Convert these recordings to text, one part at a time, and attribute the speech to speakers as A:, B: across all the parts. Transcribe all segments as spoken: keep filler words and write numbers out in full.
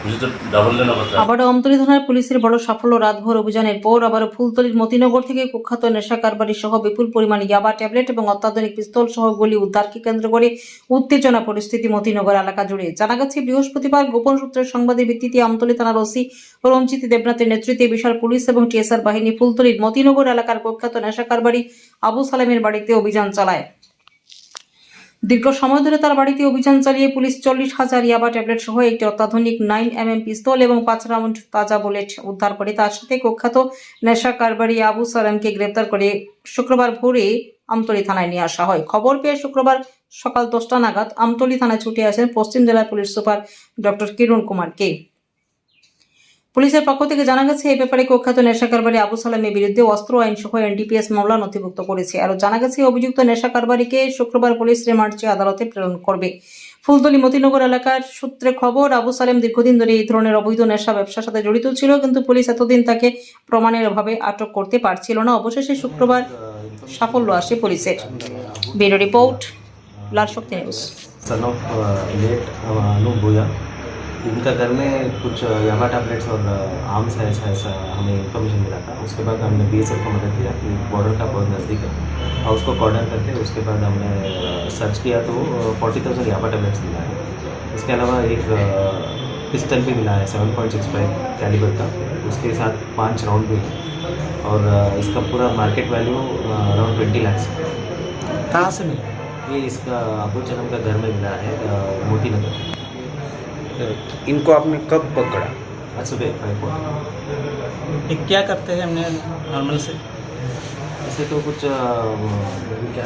A: আবারও আমতলী থানার পুলিশের বড় সাফল্য। রাতভর অভিযানের পর আবারও ফুলতলীর মতিনগর থেকে কুখ্যাত নেশা কারবারি সহ বিপুল পরিমাণে ইয়াবা ট্যাবলেট এবং অত্যাধুনিক পিস্তল সহ গুলি উদ্ধারকে কেন্দ্র করে উত্তেজনা পরিস্থিতি মতিনগর এলাকা জুড়ে। জানা গেছে, বৃহস্পতিবার গোপন সূত্রের সংবাদের ভিত্তিতে আমতলী থানার ওসি রঞ্জিত দেবনাথের নেতৃত্বে বিশাল পুলিশ এবং টিএসআর বাহিনী ফুলতলীর মতিনগর এলাকার কুখ্যাত নেশা কারবারি আবু সালেমের বাড়িতে অভিযান চালায়। দীর্ঘ সময় ধরে তার বাড়িতে অভিযান চালিয়ে পুলিশ চল্লিশ হাজার ইয়াবা ট্যাবলেট সহ একটি অত্যাধুনিক নাইন এম এম পিস্তল এবং পাঁচ রাউন্ড তাজা বুলেট উদ্ধার করে তার সাথে কুখ্যাত নেশা কারবারি আবু সালামকে গ্রেপ্তার করে শুক্রবার ভোরে আমতলী থানায় নিয়ে আসা হয়। খবর পেয়ে শুক্রবার সকাল দশটা নাগাদ আমতলী থানায় ছুটে আসেন পশ্চিম জেলার police super doctor Kiran Kumar কে। পুলিশের পক্ষ থেকে জানা গেছে, এই ব্যাপারে কুখ্যাত নেশা কারবারি আবু সালামের বিরুদ্ধে অস্ত্র আইন সহ এনডিপিএস মামলা নথিভুক্ত করেছে। আরও জানা গেছে, অভিযুক্ত নেশা কারবারিকে শুক্রবার পুলিশ রিমান্ড চেয়ে আদালতে প্রেরণ করবে। ফুলতলী মতিনগর এলাকার সূত্রে খবর, আবু সালেম দীর্ঘদিন ধরে এই ধরনের অবৈধ নেশা ব্যবসার সাথে জড়িত ছিল, কিন্তু পুলিশ এতদিন তাকে প্রমাণের অভাবে আটক করতে পারছিল না। অবশেষে শুক্রবার সাফল্য আসে পুলিশের। Bureau report, Lal Shakti news.
B: इनका घर में कुछ याबा टैबलेट्स और आर्म्स है, ऐसा ऐसा हमें इन्फॉर्मेशन मिला था। उसके बाद हमने बीएसएफ को मदद किया कि बॉर्डर का बहुत नज़दीक है और उसको कॉर्डन करके उसके बाद हमने सर्च किया तो फोर्टी थाउजेंड याबा टैबलेट्स मिला है। इसके अलावा एक पिस्टल भी मिला है seven point six five calibre का, उसके साथ पाँच राउंड भी है और इसका पूरा market value around twenty lakhs है।
C: कहाँ से मिला?
B: ये इसका अबू सलेम का घर में मिला है, मोती नगर।
C: इनको आपने कब पकड़ा?
B: आज सुबह फाइव
C: ये क्या करते हैं हमने नॉर्मल से?
B: ऐसे तो कुछ क्या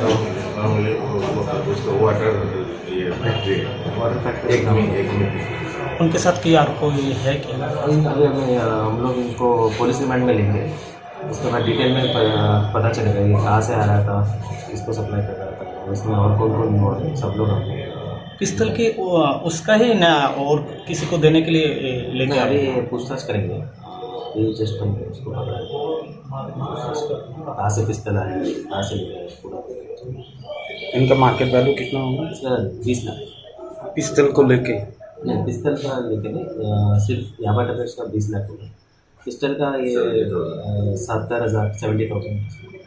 D: वाटर ये फैक्ट्री है,
B: वाटर फैक्ट्री
D: एक में एक में
C: उनके साथ की यार कोई है क्या?
B: अभी हमें हम लोग इनको पुलिस रिमांड में लेंगे, उसके बाद डिटेल में पता चलेगा ये कहाँ से आ रहा था, किसको सप्लाई कर रहा था, इसमें और कौन कौन इन्वॉल्व है, सब लोग हम
C: पिस्तल की उसका ही ना और किसी को देने के लिए लेके
B: अभी पूछताछ करेंगे। ये जस्ट हम उसको पकड़ा है, कहाँ से पिस्तल आया है, कहाँ से लिया है पूरा।
C: इनका मार्केट वैल्यू कितना होगा?
B: इसका बीस लाख।
C: पिस्तल को लेके?
B: नहीं, पिस्तल का लेके नहीं, सिर्फ याबा टैबलेट्स का बीस लाख होगा। पिस्टल का ये सत्तर हज़ार सेवेंटी थाउजेंड।